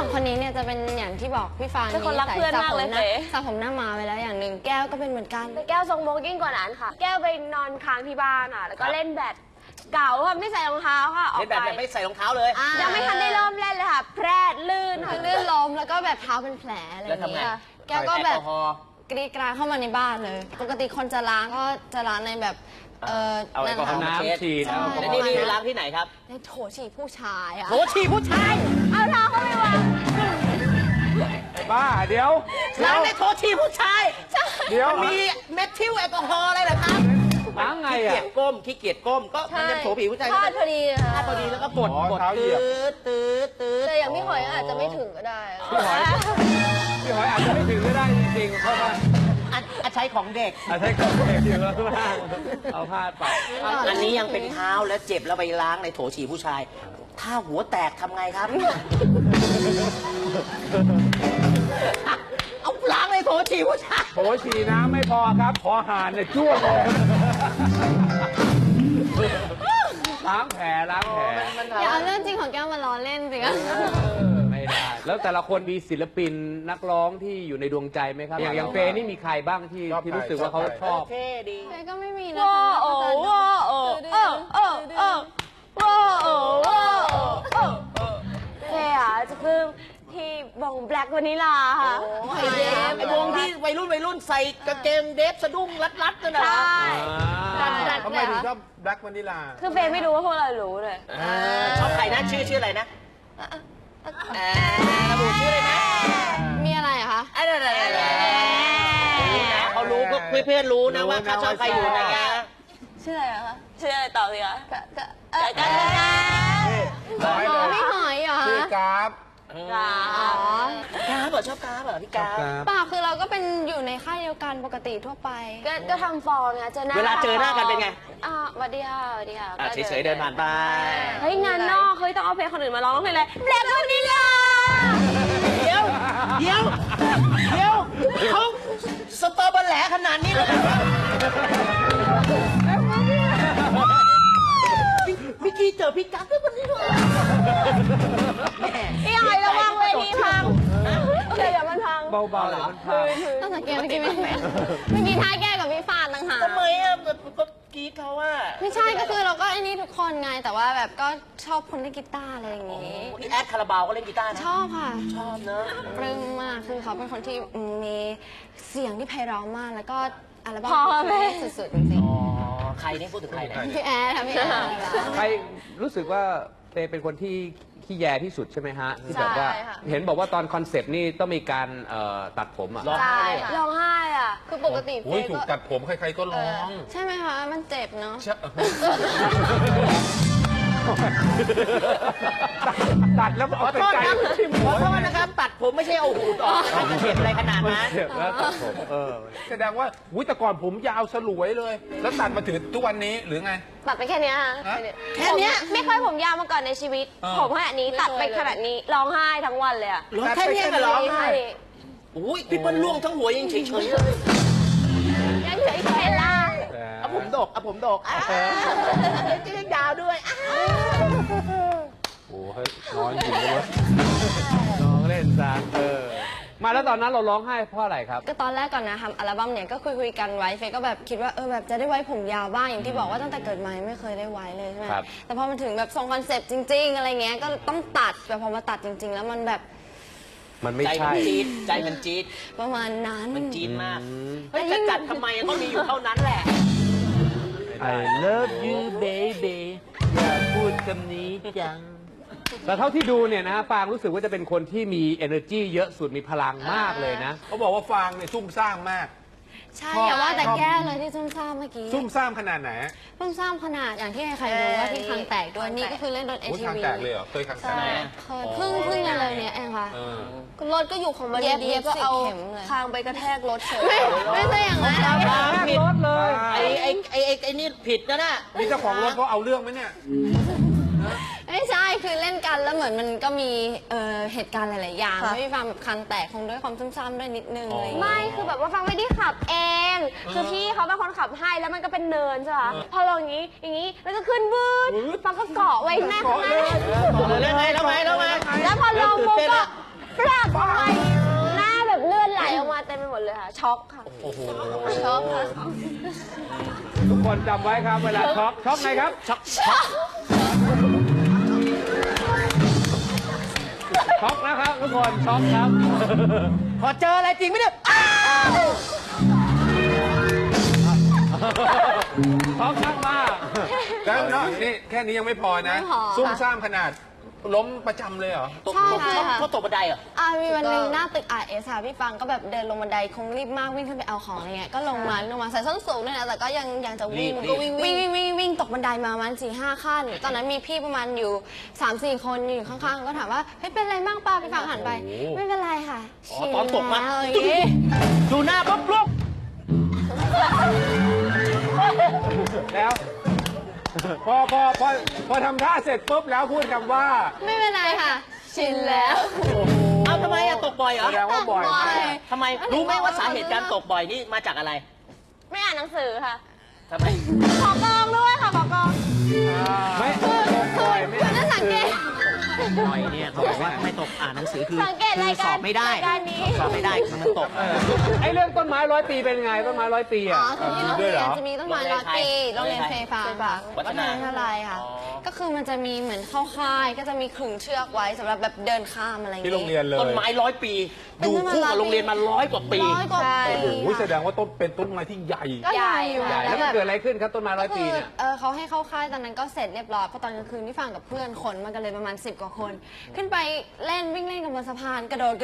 องคนนี้เนี่ยจะเป็นอย่างที่บอกพี่ฟางเป็นคนรักเพื่อนมากเลยเจ๊สระผมหน้ามาไปแล้วอย่างหนึ่งแก้วก็เป็นเหมือนกันแต่แก้วทรงโบกิ้งกว่านั้นค่ะ แก้วไปนอนค้างที่บ้านอ่ะแล้วก็เล่นแบดเก่าค่ะไม่ใส่รองเท้าค่ะออกเล่นแบบไปไม่ใส่รองเท้าเลยยังไม่ทันได้เริ่มเล่นเลยค่ะแพร่ลื่นค่ะลื่นล้มแล้วก็แบบเท้าเป็นแผลอะไรอย่างเงี้ยแก้วก็แบบกรีดกราเข้ามาในบ้านเลยปกติคนจะล้างก็จะล้างในแบบเอาแอลกอฮอล์มาเช็ดฉีดแล้วนี่ล้างที่ไหนครับในโถฉี่ผู้ชายอะโถฉี่ผู้ชายเอาเท้าเข้าไปวางบ้าเดี๋ยวล้างในโถฉี่ผู้ชายเดี๋ยวมีเมทิลแอลกอฮอล์อะไรเหรอครับล้างไงขี้เกียอ่ะจก้มขี้เกียจก้มก็มันจะโถผีผู้ชายพลาดพอดีค่ะพอดีแล้วก็กดอ๋อกดเท้าเหยีตืยบดตืดตืดแต่อย่างพี่หอยอาจจะไม่ถึงก็ได้พี่หอยอาจจะไม่ถึงก็ได้จริงๆเพราะว่าอันใช้ของเด็กอาจจะให้ของเด็กอยู่แล้วบ้างเอาพลาดไปอันนี้ยังเป็นเท้าแล้วเจ็บแล้วไปล้างในโถฉี่ผู้ชาย ถ้าหัวแตกทำไงครับ เอาล้างในโถฉี่ผู้ชายโถฉี่น้ำไม่พอครับขอหานเนี่ยจ้วงเลยล้างแผลล้างแผลอย่าเอาเรื่องจริงของแก้วมาล้อเล่นสิคะไม่ได้ แล้วแต่ละคนมีศิลปินนักร้องที่อยู่ในดวงใจไหมครับ อย่างเฟย์นี่มีใครบ้างที่รู้สึกว่าเขาชอบเท่ดีเฟย์ก็ไม่มีนะว้าคะโอ้ว้าโอ้เออเออเออว้าโอ้ว้าโอ้เออเท่อะจะเพิ่งที่วงแบล็กวานิลาค่ะไอเดฟไอวงที่วัยรุ่นใส่กางเกงเดฟสะดุ้งรัดๆนั่นน่ะใช่ทำไมถึงชอบแบล็กวานิลาคือเฟย์ไม่รู้ว่าพวกเรารู้เลยชอบใครนะชื่ออะไรนะระบุชื่อเลยนะมีอะไรอะคะเขารู้เพื่อนรู้นะว่าเขาชอบใครอยู่นะแกชื่ออะไรอะคะชื่ออะไรต่อสิคะพี่หอยเหรอชื่อกราฟอ๋อกราฟเหรอชอบกราฟเหรอพี่กราฟเปล่าคือเราก็เป็นอยู่ในค่ายเดียวกันปกติทั่วไปก็ทำฟอร์มไงเจอหน้าเวลาเจอหน้ากันเป็นไงสวัสดีค่ะสวัสดีค่ะเฉยๆเดินผ่านไปเฮ้ยงานนอกเฮ้ยต้องเอาเพลงคนอื่นมาร้องเพลงเลยแบล็กวานิลาเดี๋ยวเขาสตอเบอร์แหลขนาดนี้เลยพี่กี้เจอพี่กั๊กด้วยวันนี้ด้วยพี่หอยระวังเวทีพังเดี๋ยวมันพังเบาๆเลยมันพาต้องสังเกตเมื่อกี้ไม่เมื่อกี้ท้ายแก้กับพี่ฟานต่างหากทำไมอ่ะก็กี้เขาว่าไม่ใช่ก็คือเราก็ไอ้นี่ทุกคนไงแต่ว่าแบบก็ชอบคนเล่นกีตาร์อะไรอย่างงี้พี่แอดคาราบาวก็เล่นกีตาร์นะชอบค่ะชอบเนอะปลื้มมากคือเขาเป็นคนที่มีเสียงที่ไพเราะมากแล้วก็อัลบั้มพอไหมสุดๆจริงอ๋อใครนี่พูดถึงใครเนี่ยๆพี่แอร์ค่ะพี่แอร์ใครรู้สึกว่าเฟย์เป็นคนที่ขี้แยที่สุดใช่ไหมฮะที่แบบว่าใช่ค่ะเห็นบอกว่าตอนคอนเซปต์นี่ต้องมีการตัดผมอ่ะร้องไห้เลยร้องไห้อ่ะคือปกติโอ้ยถูกตัดผมใครๆก็ร้องใช่ไหมคะมันเจ็บเนาะตัดแล้วขเอาอไปโทษไกลครับที่ขอโทษนะครับ ตัดผมไม่ใช่เอาหูดออกไม่เจ็บอะไรขนาดมันนั้นเจ็บแล้วตัดผมแสดงว่าอุ้ยแต่ก่อนผมยาวสลวยเลย แล้วตัดมาถึงทุกวันนี้หรือไงตัดไปแค่เนี้ยค่ะฮะแค่เนี้ยผมไม่เคยผมยาวมาก่อนในชีวิตอ่าผมขนาดนี้ตัดไปขนาดนี้ร้องไห้ทั้งวันเลยอ่ะร้องแค่เนี้ยก็ร้องไห้อุ้ยพี่เปิ้ลล่วงทั้งหัวยังเฉยๆเลยยังเฉยๆเห็นล่ะเอาผมดกจะยังยาวด้วยโอ้เฮ้ยน้อยจริงเลยน้องเล่นซะมาแล้วตอนนั้นเราร้องไห้เพราะอะไรครับก็ตอนแรกก่อนนะทำอัลบั้มเนี่ยก็คุยกันไว้เฟยก็แบบคิดว่าแบบจะได้ไว้ผมยาวบ้างอย่างที่บอกว่าตั้งแต่เกิดมาไม่เคยได้ไว้เลยใช่ไหมครับแต่พอมันถึงแบบทรงคอนเซปต์จริง ๆ อะไรเงี้ยก็ต้องตัดแต่พอมาตัดจริง ๆ แล้วมันแบบมันไม่ใจมัใช่นจี๊ดใจมันจี๊ดประมาณนั้นมันจี๊ดมากเฮ้ยจะจัดทำไมก็มีอยู่เท่านั้นแหละ I love you baby อย่าพูดคำนี้จัง แต่เท่าที่ดูเนี่ยนะฟางรู้สึกว่าจะเป็นคนที่มี energy เยอะสุดมีพลังมากเลยนะเขาบอกว่าฟางเนี่ยซุ่มซ่ามมากใช่อย่าว่าแต่แก้เลยที่ซุ่มซ่ามเมื่อกี้ซุ่มซ่ามขนาดไหนซุ่มซ่ามขนาดอย่างที่ใครๆรู้ว่าที่คางแตกด้วยนี่ก็คือเล่นรถโอ้ย ATV คางแตกเลยเหรอ เคยคางแตใช่กเคยเพิ่งเลยเนี่ยเองค่ะเออรถก็อยู่ของมันเย็บดีๆก็เอา 10 เข็มเลยคางไปกระแทกรถเฉยไม่ใช่อย่างนั้นผิดรถเลยไอ้นี่ผิดนะน่ะนี่เจ้าของรถเขาเอาเรื่องไหมเนี่ยไม่ใช่คือเล่นกันแล้วเหมือนมันก็มีเหตุการณ์หลาย ๆ อย่างค่ะไม่มีความแบบคางแตกคงด้วยความซุ่มซ่ามด้วยนิดนึงอะไรอย่างเงี้ยไม่คือแบบว่าฟังไม่ได้ขับเอง คือพี่เขาเป็นคนขับให้แล้วมันก็เป็นเนินใช่ปะพอลงอย่างนี้แล้วก็ขึ้นบืดฟังก็เกาะไว้หน้าข้างหน้าแล้วไงแล้วพอลงปุ๊บก็ปรากทำไมหน้าแบบเลือดไหลออกมาเต็มไปหมดเลยค่ะ ช็อกค่ะโอ้โหชอบค่ะทุกคนจำไว้ครับเวลาช็อกช็อกไงครับช็อกช็อกนะครับทุกคนช็อกครับพอเจออะไรจริงไหมเนี่ยช็อกมากแล้วเนาะนี่แค่นี้ยังไม่พอนะไม่พอซุ่มซ่ามขนาดล้มประจำเลยเหรอตกใช่ตกค่ะเขาตกบันไดเหรอมีวันหนึ่งหน้าตึก RS ค่ะพี่ฟังก็แบบเดินลงบันไดคงรีบมากวิ่งขึ้นไปเอาของอะไรเงี้ยก็ลงมาใส่ส้นสูงด้วยนะแต่ก็ยังจะวิ่งรีบก็วิ่งตกบันไดมาประมาณ4-5 ขั้น ตอนนั้นมีพี่ประมาณอยู่ 3-4 คนอยู่ข้างๆก็ถามว่าเฮ้ยเป็นไรบ้างป้าพี่ฟังหันไป ไม่เป็นไรค่ะอ๋อชิลตอนตกมาแล้วอย่างงี้ดูหน้าปุ๊บลุกๆแล้วพอทำท่าเสร็จปุ๊บแล้วพูดคำว่าไม่เป็นไรค่ะ ชินแล้วเอาทำไมอะตกบ่อยเหรอแสดงว่าบ่อยบ่อยมากทำไมรู้ไหมว่าสาเหตุการตกบ่อยนี่มาจากอะไรไม่อ่านหนังสือค่ะทำไมขอกองด้วยค่ะ ขอกองไม่คือน่าสังเกตบ่อยเนี่ยเขาบอกว่าไม่ตกอ่านหนังสือคือสังเกตรายสการอบไม่ได้รายการนี้สอบไม่ได้คือมันตกไอ้เรื่องต้นไม้100 ปีเป็นไงต้นไม้100 ปีอ๋อ่ะอคือที่โรงด้วยเรีเหรยนอจะมีต้นไม้100 ปีโรงเรียนเฟยฟ้าค่ะวัฒนาวิทยาลัยค่ะอ๋อก็คือมันจะมีเหมือนเข้าค่ายก็จะมีขึงเชือกไว้สำหรับแบบเดินข้ามอะไรอย่างที่งี้โรงเรียนเลยต้นไม้100 ปี อยู่คู่กับโรงเรียนมา100 กว่าปีร้อยกว่าปีโอ้โหแสดงว่าต้นเป็นต้นไม้ที่ใหญ่ก็ใหญ่อยู่ใหญ่แล้วมันเกิดอะไรขึ้นครับต้นไม้100 ปีเนี่ยเขาให้เข้าค่ายตอนนั้นก็เสร็จเรียบร้อยเพราะตอนกลางคืนที่ฟังกับเพื่อนขนมากันเลยประมาณ10 กว่าคน ขึ้นไปเล่นวิ่งเล่นกันบนสะพานกระโดดมัน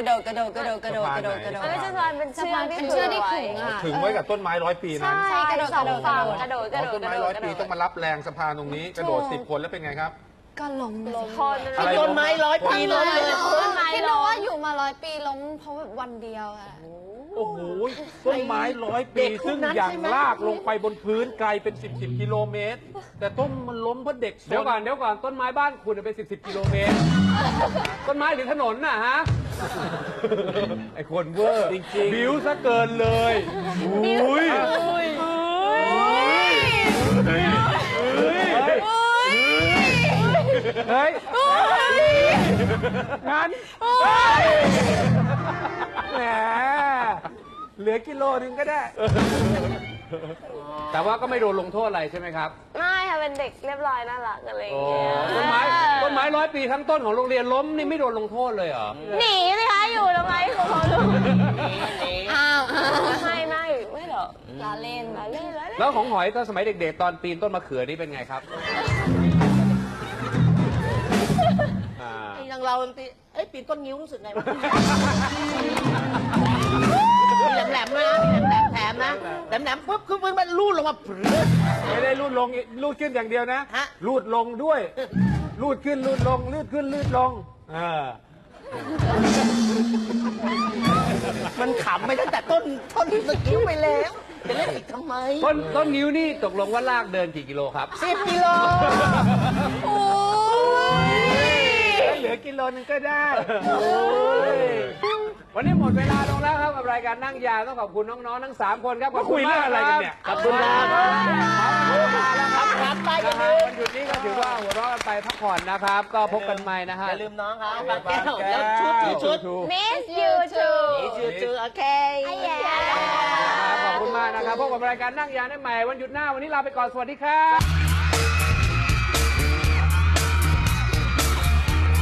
เป็นเชือกเป็นเชือกที่ขึงอ่ะถึงไว้กับต้นไม้100 ปีนั้นใช่กระโดดสองฝั่งกระโดดอ๋อต้นไม้100 ปีต้องมารับแรงสะพานตรงนี้ กระโดด10 คนแล้วเป็นไงครับก็ล้มเลยคนอะไรต้นไม้100 ปีล้มเลยคิดดูว่าอยู่มา100 ปีล้มเพราะแบบวันเดียวอะโอ้โห ต้นไม้100 ปี ซึ่งอย่างลากลงไปบนพื้นไกลเป็น10 กิโลเมตร แต่ต้นมันล้มเพราะเด็กซนเดี๋ยวก่อนต้นไม้บ้านคุณเป็น10 กิโลเมตร ต้นไม้หรือถนนน่ะฮะ ไอ้คนเวอร์จริงๆบิวซะเกินเลยอุ้ยเฮ้ยงั้นแหมเหลือกิโลนึงก็ได้ แต่ว่าก็ไม่โดนลงโทษอะไรใช่ไหมครับไม่ค่ะ เป็นเด็กเรียบร้อยน่ารักอะไรอย่างเงี้ยต้นไม้100 ปีทั้งต้นของโรงเรียนล้มนี่ไม่โดนลงโทษเลยเหรอหนีสิคะอยู่ทำไมเขาดูอ้าวไม่หรอกล้อเล่นเล่นแล้วแล้วของหอยตอนสมัยเด็กๆ ตอนปีนต้นมะเขือนี่เป็นไงครับอย่างเราปีปีนต้นนิ้วรู้สึกไงวะ มีแหลมๆด้วยนะมีแหลมๆแถมนะแหลมๆปุ๊บคือมันรูดลงมาปรึ๊ดไม่ได้รูดขึ้นอย่างเดียวนะฮะรูดลงด้วยรูดขึ้นรูดลงรูดขึ้นรูดลงมันขำไปตั้งแต่ต้นสกิ้วไปแล้วจะเล่นอีกทำไมต้นนิ้วนี่ตกลงว่าลากเดินกี่กิโลครับ 10 กิโลเหลือกิโลนึงก็ได้วันนี้หมดเวลาลงแล้วครับกับรายการนั่งยาวต้องขอบคุณน้องๆทั้ง3 คนครับขอบคุณมากอะไรกันเนี่ยขอบคุณครับครับไปอย่าลืมวันหยุดนี้ก็ถือว่าหัวเราะกันไปพักผ่อนนะครับ ก็พบกันใหม่นะฮะอย่าลืมน้องครับบางแก้วแล้วชุด Miss you too ชื่อโอเคขอบคุณมากนะครับพบกับรายการนั่งยาวได้ใหม่วันหยุดหน้าวันนี้ลาไปก่อนสวัสดีครับ